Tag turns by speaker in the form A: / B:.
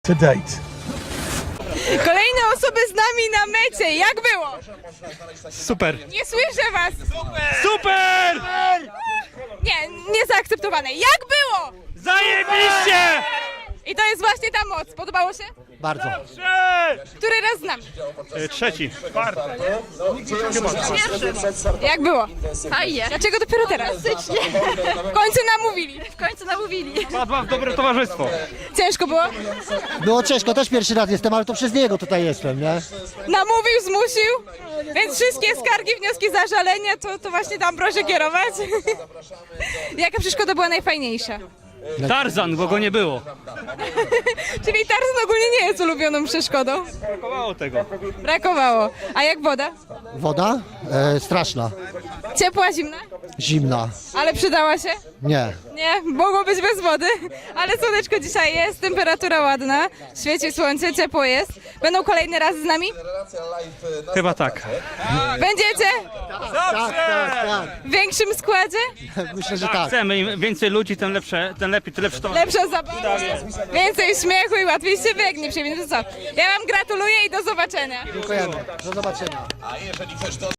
A: to date.
B: Kolejne osoby z nami na mecie. Jak było?
C: Super!
B: Nie słyszę was.
C: Super!
B: Nie, niezaakceptowane. Jak było?
C: Zajebiście!
B: I to jest właśnie ta moc. Podobało się?
D: Bardzo.
B: Który raz z nami?
C: Trzeci. Czwarty.
B: Jak było?
E: Fajnie.
B: Dlaczego dopiero teraz? W końcu namówili.
E: W końcu namówili.
C: Padła w dobre towarzystwo.
B: Ciężko było?
D: Było ciężko, też pierwszy raz jestem, ale to przez niego tutaj jestem, nie?
B: Namówił, zmusił. Więc wszystkie skargi, wnioski, zażalenia to właśnie tam proszę kierować. Jaka przeszkoda była najfajniejsza?
C: Tarzan, bo go nie było.
B: Czyli Tarzan ogólnie nie jest ulubioną przeszkodą.
C: Brakowało tego.
B: Brakowało. A jak woda?
D: Woda? Straszna.
B: Ciepła, zimna?
D: Zimna.
B: Ale przydała się?
D: Nie.
B: Nie, mogło być bez wody, ale słoneczko dzisiaj jest, temperatura ładna, świeci słońce, ciepło jest. Będą kolejny raz z nami?
C: Chyba tak.
B: Będziecie?
D: Tak.
B: W większym składzie?
D: Myślę, że tak.
C: Chcemy, im więcej ludzi, tym lepsze, tym lepiej, tym lepsze to.
B: Lepsza zabawa, więcej śmiechu i łatwiej się biegnie. To co? Ja wam gratuluję i do zobaczenia.
D: Dziękujemy. Do zobaczenia.